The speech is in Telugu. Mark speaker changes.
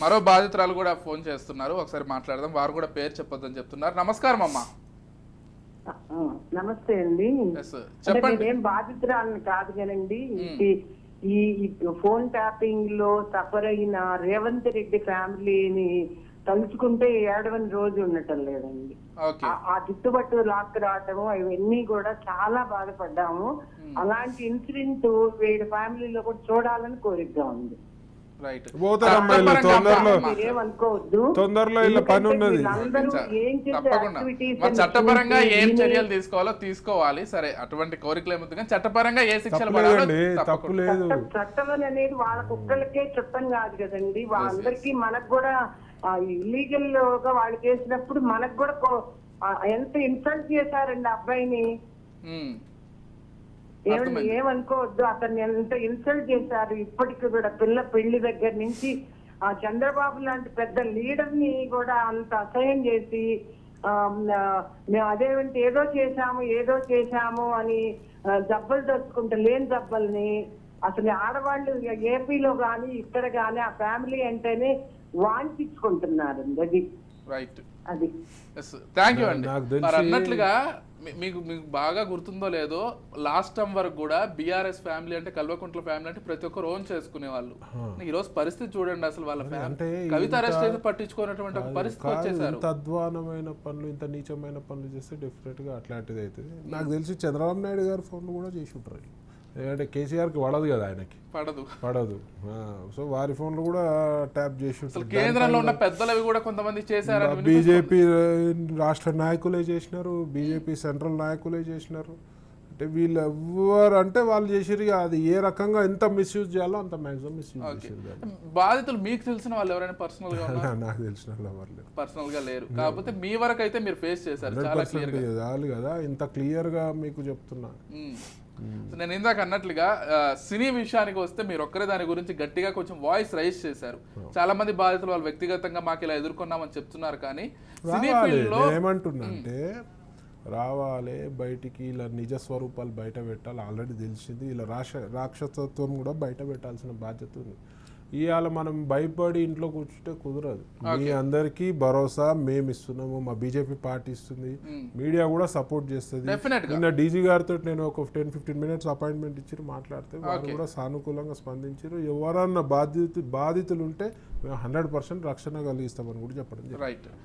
Speaker 1: మరో బాధితురాలు కూడా ఫోన్ చేస్తున్నారు, ఒకసారి మాట్లాడదాం. వారు కూడా పేరు చెప్పొద్దని చెప్తున్నారు. నమస్కారం అమ్మా.
Speaker 2: నమస్తే అండి.
Speaker 1: చెప్పండి.
Speaker 2: నేనేం బాధితురాలని కాదు కానండి, ఈ ఫోన్ ట్యాపింగ్ లో సఫర్ అయిన రేవంత్ రెడ్డి ఫ్యామిలీని తలుచుకుంటే ఏడవని రోజు ఉండటం లేదండి. ఆ చుట్టుపట్టు లాక్ రావటము అవన్నీ కూడా చాలా బాధపడ్డాము. అలాంటి ఇన్సిడెంట్ వీడి ఫ్యామిలీలో కూడా చూడాలని కోరికగా ఉంది.
Speaker 3: తొందరలో ఇలా పని ఉన్నది.
Speaker 1: చట్టపరంగా ఏం చర్యలు తీసుకోవాలో తీసుకోవాలి. సరే, అటువంటి కోరికలు ఏముంది కానీ చట్టపరంగా ఏ శిక్షలు పడాలి.
Speaker 3: తప్పులేదు.
Speaker 2: చట్టం అనేది వాళ్ళ కుక్కలకే చట్టం కాదు కదండి, వాళ్ళందరికీ. మనకు కూడా ఇల్లీగల్ గా వాళ్ళు చేసినప్పుడు మనకు కూడా ఎంత ఇన్సల్ట్ చేశారండి అబ్బాయిని. ఏమనుకోవద్దు, అతన్ని ఎంత ఇన్సల్ట్ చేశారు. ఇప్పటికి కూడా పెళ్లి దగ్గర నుంచి ఆ చంద్రబాబు లాంటి పెద్ద లీడర్ ని కూడా అంత అసహ్యం చేసి మేము అదేంటి ఏదో చేశాము అని జబ్బలు తెచ్చుకుంటే లేని జబ్బల్ని అసలు ఆడవాళ్ళు ఏపీలో గాని ఇక్కడ గాని ఆ ఫ్యామిలీ అంటేనే వాంఛించుకుంటున్నారు. అది
Speaker 1: రైట్.
Speaker 2: అది
Speaker 1: థ్యాంక్ యూ అండి. మరి అన్నట్లుగా మీకు బాగా గుర్తుందో లేదో, లాస్ట్ టైం వరకు కూడా బీఆర్ఎస్ ఫ్యామిలీ అంటే కల్వకుంట్ల ఫ్యామిలీ అంటే ప్రతి ఒక్కరు ఓన్ చేసుకునే వాళ్ళు. ఈ రోజు పరిస్థితి చూడండి, అసలు వాళ్ళ ఫ్యామిలీ కవిత అరెస్ట్ అయితే పట్టించుకున్నటువంటి ఒక పరిస్థితి వచ్చేసారు.
Speaker 3: ఇంత అధ్వానమైన పనులు, ఇంత నీచమైన పనులు చేస్తే డెఫినెట్ గా అట్లాంటిది అవుతుంది. నాకు తెలిసి చంద్రబాబు నాయుడు గారు ఫోన్లు కూడా చేసి ఉంటారు. ఎందుకంటే కేసీఆర్కి పడదు కదా, ఆయనకి పడదు. సో వారి ఫోన్లు కూడా ట్యాప్ చేసి
Speaker 1: కేంద్రంలో ఉన్న పెద్దలవి కూడా కొంతమంది చేశారు.
Speaker 3: బీజేపీ రాష్ట్ర నాయకులే చేసినారు, బీజేపీ సెంట్రల్ నాయకులే చేసినారు. అంటే వీళ్ళు ఎవరు అంటే వాళ్ళు చేసిరు. అది ఏ రకంగా ఎంత మిస్యూజ్ చేయాలో అంత మాక్సిమం మిస్యూజ్ చేసారు.
Speaker 1: బాధితులు మీకు తెలిసిన వాళ్ళు ఎవరైనా పర్సనల్ గా?
Speaker 3: నాకు తెలిసిన వాళ్ళు ఎవరు లేరు,
Speaker 1: పర్సనల్ గా లేరు. కాకపోతే మీ వరకు అయితే మీరు ఫేస్ చేశారు చాలా క్లియర్ గా.
Speaker 3: చాలు కదా, ఇంత క్లియర్ గా మీకు చెప్తున్నా.
Speaker 1: నేను ఇందాక అన్నట్లుగా సినీ విషయానికి వస్తే మీరు ఒక్కరే దాని గురించి గట్టిగా కొంచెం వాయిస్ రైజ్ చేశారు. చాలా మంది బాధితులు వాళ్ళు వ్యక్తిగతంగా మాకు ఇలా ఎదుర్కొన్నామని చెప్తున్నారు. కానీ సినీ ఫీల్డ్ లో
Speaker 3: ఏమంటున్నా అంటే రావాలి బయటికి, ఇలా నిజ స్వరూపాలు బయట పెట్టాలి. ఆల్రెడీ తెలిసింది, ఇలా రాక్షసత్వం కూడా బయట పెట్టాల్సిన బాధ్యత ఉంది. ఇవాళ మనం భయపడి ఇంట్లో కూర్చుంటే కుదరదు. మీ అందరికీ భరోసా మేము ఇస్తున్నాము, మా బీజేపీ పార్టీ ఇస్తుంది, మీడియా కూడా సపోర్ట్ చేస్తుంది. నిన్న డీజీ గారితో నేను ఒక 10-15 మినిట్స్ అపాయింట్మెంట్ ఇచ్చి మాట్లాడితే వాళ్ళు కూడా సానుకూలంగా స్పందించారు. ఎవరన్నా బాధితులు ఉంటే మేము 100% రక్షణ కలిగిస్తామని కూడా చెప్పడం.
Speaker 1: రైట్.